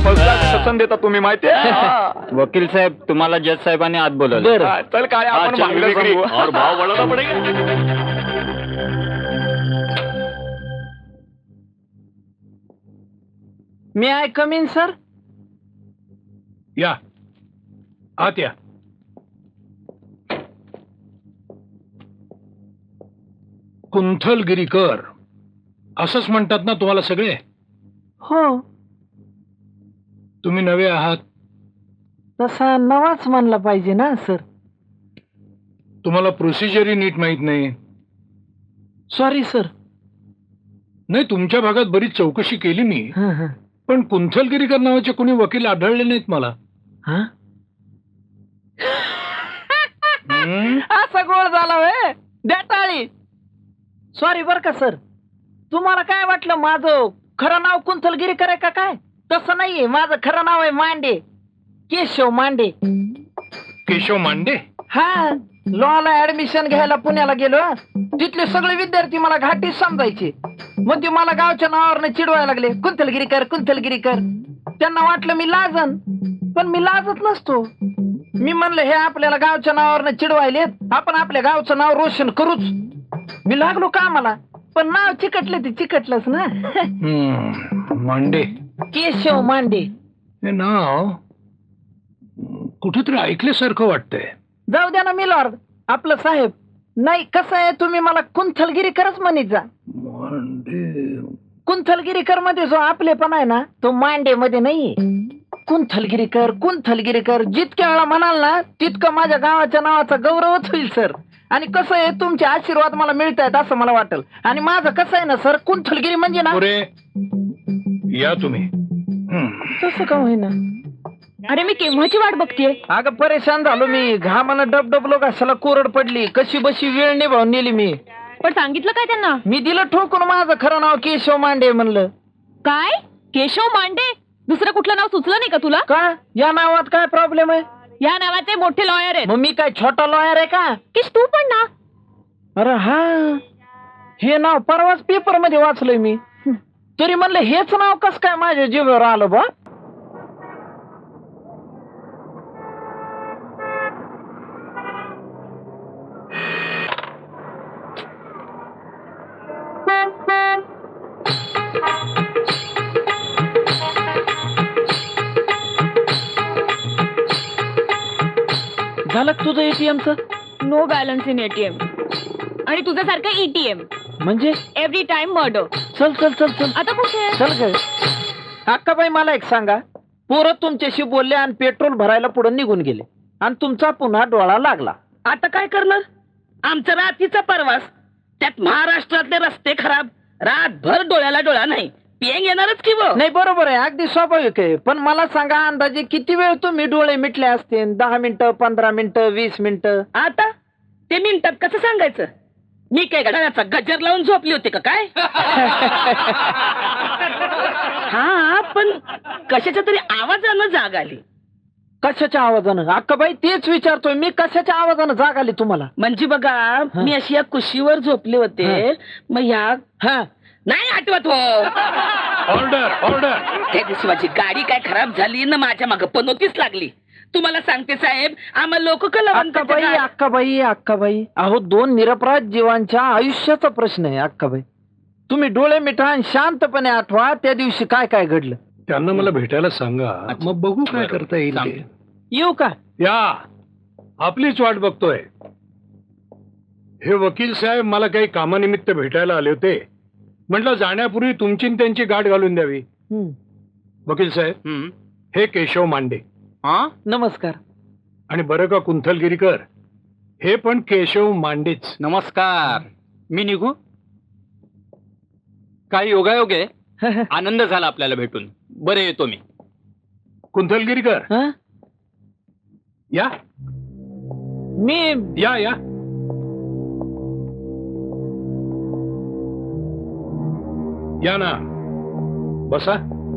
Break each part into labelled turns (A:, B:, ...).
A: शासन देता तुम्ही माहितीये.
B: वकील साहेब तुम्हाला जज साहेबांनी आत बोलवलं.
A: हा, चल काय आपण भांडण सांगू.
C: और भाव बढ़ाना पड़ेगा.
D: May I come in sir?
E: या आत या. कुंथलगिरीकर असंच म्हणतात ना तुम्हाला सगळे?
D: हो,
E: तुम्ही नवे आहात.
D: तसा नवाच म्हणला पाहिजे ना सर.
E: तुम्हाला प्रोसिजरही नीट माहित नाही.
D: Sorry sir.
E: नाही, तुमच्या भागात बरीच चौकशी केली मी,
D: हं, हं.
E: पण कुंथलगिरीकर नावाचे कोणी वकील आढळले नाहीत मला.
D: हं?
E: हं?
D: असा गोळ झाला होय द्या टाळी. सॉरी बर का सर. तुम्हाला काय वाटलं माझं खरं नाव कुंथलगिरीकर आहे का काय? तसं नाहीये. माझं खरं नाव आहे मांडे, केशव मांडे.
E: केशव मांडे?
D: हा, लॉला ऍडमिशन घ्यायला पुण्याला गेलो. तिथले सगळे विद्यार्थी मला घाटीच समजायचे. मग ते मला गावच्या नावावरनं चिडवायला लागले, कुंथलगिरीकर कुंथलगिरीकर. त्यांना वाटलं मी लाजन, पण मी लाजत नसतो. मी म्हणलं हे आपल्याला गावच्या नावावरनं चिडवायलेत, आपण आपल्या गावचं नाव रोशन करूच. मी लागलो कामाला, पण नाव चिकटले ते चिकटलंच ना.
E: मांडे
D: केशव मांडे.
E: हे नाव कुठेतरी ऐकल्यासारखं वाटतंय.
D: जाऊ द्या ना मिलॉर्ड, आपलं साहेब. नाही, कसं आहे, तुम्ही मला कुंथलगिरीकरच म्हणत जा.
E: मांडे.
D: कुंथलगिरीकर मध्ये जो आपलेपणा आहे ना, तो मांडे मध्ये नाहीये. कुंथलगिरीकर कुंथलगिरीकर जितक्या वेळा म्हणाल ना, तितकं माझ्या गावाच्या नावाचा गौरवच होईल सर. आणि कसं आहे, तुमचे आशीर्वाद मला मिळत आहेत असं मला वाटेल. आणि माझं कसं आहे ना सर, कुंथलगिरी म्हणजे ना.
E: पुरे या तुम्ही.
D: तसं का होईना?
F: अरे मी केव्हाची वाट बघतीये.
D: अगं परेशान झालो मी. घामानं डबडबलो कशाला कोरड पडली. कशी बशी वेळ निभावून नेली मी.
F: पण सांगितलं काय त्यांना?
D: मी दिलं ठोकून माझं खरं नाव केशव मांडे म्हणलं.
F: काय केशव मांडे? दुसरं कुठलं नाव सुचलं नाही का तुला?
D: का या नावात काय प्रॉब्लेम आहे?
F: या नावाचे मोठे लॉयर आहेत.
D: मग मी काय छोटा लॉयर आहे का?
F: किश तू पण ना.
D: अरे हा, हे नाव परवाच पेपर मध्ये वाचलंय मी. तरी म्हणलं हेच नाव कस काय माझ्या जीवावर आलं बा. झालं का तुझं एटीएमचं?
F: No balance in ATM. आणि तुझ्यासारखं ईटीएम
D: म्हणजे
F: एव्हरी टाइम मर्डर.
D: चल चल चल चल
F: आता कुठे?
D: चल ग. अक्काबाई मला एक सांगा, पोरं तुमच्याशी बोलले आणि पेट्रोल भरायला पुढे निघून गेले आणि तुमचा पुन्हा डोळा लागला.
G: आता काय करणार? आमचा रात्रीचा प्रवास, त्यात महाराष्ट्रातले रस्ते खराब. रातभर डोळ्याला डोळा नाही, पेंग येणारच की वो.
D: नाही बरोबर आहे, अगदी स्वाभाविक आहे. पण मला सांगा, अंदाजे किती वेळ तुम्ही डोळे मिटले असते? 10 मिनिटं, 15 मिनिटं, 20 मिनिटं?
G: आता ते मिनिटात कसं सांगायचं? मी काय घड्याळाचा गजर लावून झोपली होती का काय? हा, पण कशाच्या तरी आवाजानं जाग आली.
D: कशाच्या आवाजानं? अक्काबाई तेच विचारतोय मी, कशाच्या आवाजानं जाग आली तुम्हाला?
G: म्हणजे बघा, मी अशी या कुशीवर झोपले होते. मग ह्या
D: हा,
G: नाही आठवत हो.
E: Order order.
G: त्या दिवशी माझी गाडी काय खराब झाली ना, माझ्या मागं पनोतीच लागली. तुम्हाला सांगते साहेब, आम्हाला लोक
D: अक्काबाई अक्काबाई अक्काबाई, अहो 2 निरपराध जीवांच्या आयुष्याचा प्रश्न आहे अक्काबाई. तुम्ही डोळे मिठा आणि शांतपणे आठवा त्या दिवशी काय काय घडलं.
E: त्यांना मला भेटायला सांगा, मग बघू काय करता येईल ते.
D: येऊ का?
E: या, आपलीच वाट बघतोय. हे वकील साहेब मला काही कामानिमित्त भेटायला आले होते. म्हटलं जाण्यापूर्वी तुमची न त्यांची गाठ घालून द्यावी. वकील साहेब, हे केशव मांडे.
D: नमस्कार.
E: आणि बरं का कुंथलगिरीकर, हे पण केशव मांडेच.
B: नमस्कार. मी निघू? काही योगायोग आहे. आनंद झाला आपल्याला भेटून. बरं, येतो मी.
E: कुंथलगिरीकर
D: हं?
E: या
D: मी
E: या या. या ना, बसा.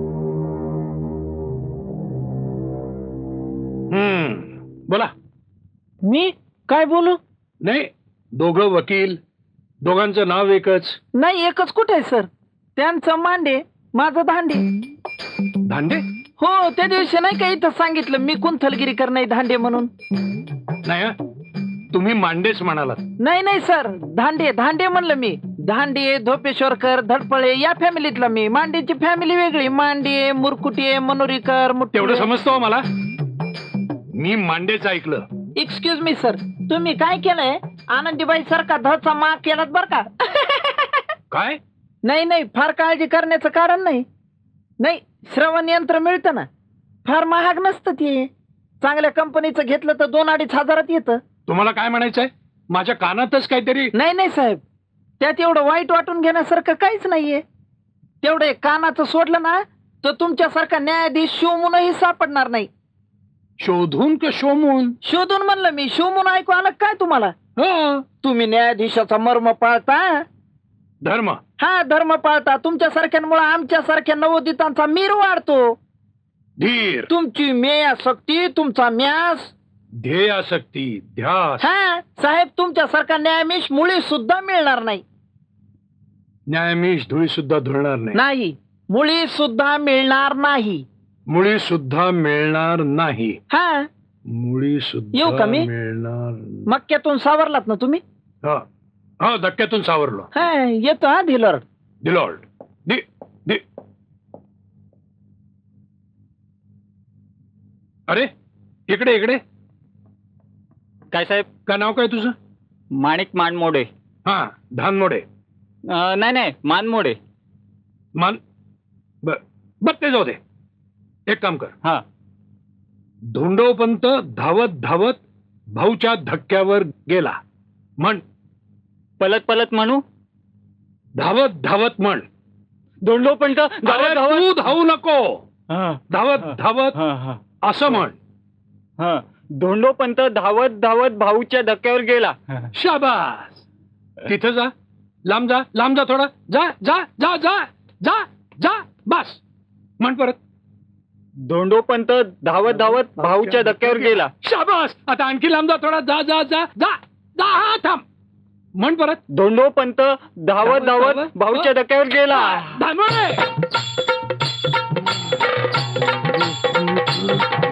E: बोला.
D: मी काय बोलू?
E: नाही, दोघं वकील, दोघांचं नाव एकच.
D: नाही, एकच कुठे आहे सर? त्यांचं मांडे, माझं धांडे.
E: धांडे?
D: हो त्या दिवशी नाही का इथं सांगितलं मी कुंथलगिरीकर नाही धांडे म्हणून.
E: नाही हं? तुम्ही मांडेच म्हणालात.
D: नाही नाही सर, धांडे धांडे म्हणलं मी. धांडे, धोपेश्वरकर, धडपळे या फॅमिलीतला मी. मांडेची फॅमिली वेगळी. मांडे, मुरकुटे, मनोरीकर,
E: तेवढं समजतो हो मला. मी मांडेच ऐकलं.
D: एक्सक्यूज मी सर, तुम्ही काय केलंय? आनंदीबाई सारखा धचा माग केलात बर का.
E: काय?
D: नाही नाही, फार काळजी करण्याचं कारण नाही. नाही, श्रवण यंत्र मिळतं ना, फार महाग नसतं ते. चांगल्या कंपनीचं घेतलं तर 2-2.5 हजारात येतं.
E: तुम्हाला काय म्हणायचंय? माझ्या कानातच काहीतरी.
D: नाही नाही साहेब, त्यात एवढं वाईट वाटून घेण्यासारखं काहीच नाहीये. तेवढं एक कानाचं सोडलं ना तर तुमच्यासारखा न्यायाधीश शिवमुनही सापडणार नाही.
E: शोधून का शोमून?
D: शोधून म्हणलं मी, शिवमुन ऐकू आलं काय तुम्हाला?
E: हं.
D: तुम्ही न्यायाधीशाचा मर्म पाळता.
E: धर्म.
D: हा, धर्म पाळता. तुमच्या सारख्यांमुळे आमच्या सारख्या नवोदितांचा मीर वाढतो.
E: धीर.
D: तुमची मेयासक्ती, तुमचा म्यास.
E: ध्येयासक्ती, ध्यास.
D: हा साहेब, तुमच्यासारखा न्यायाधीश मुळी सुद्धा मिळणार नाही.
E: न्यायाधीश धुळी सुद्धा धुळणार नाही.
D: नाही, मुळी सुद्धा मिळणार नाही.
E: मुळी सुद्धा मिळणार नाही.
D: हा,
E: मुळी
D: येऊ
E: सुद्धा
D: का मी?
E: मिळणार.
D: मक्क्यातून सावरलात ना तुम्ही?
E: हो, धक्क्यातून सावरलो.
D: हा, येतो हा धिलर.
E: दिलॉल्ड. दि दि अरे, इकडे इकडे.
B: काय साहेब?
E: काय नाव काय तुझं?
B: माणिक मानमोडे.
E: हा, धानमोडे.
B: नाही नाही, मानमोडे.
E: मान बर ते जाऊ दे. एक काम कर.
B: हा.
E: धोंडोपंत धावत धावत भाऊच्या धक्क्यावर गेला. म्हण.
B: पलत पलत म्हणू.
E: धावत धावत म्हण.
B: धोंडोपंत
E: अरे, तू धावू नको. धावत धावत असं म्हण.
B: धोंडोपंत धावत धावत भाऊच्या धक्क्यावर गेला.
E: शाबास. तिथं जा. लांब जा, लांब जा थोडा. जा जा जा जा जा जा. बस. म्हण परत.
B: धोंडोपंत धावत धावत भाऊच्या धक्क्यावर गेला.
E: शाबास. आता आणखी लांब जा थोडा. जा जा जा जा जा. हा, थांब. म्हण परत.
B: धोंडोपंत धावत धावत भाऊच्या धक्क्यावर गेला.
E: धानमोडे.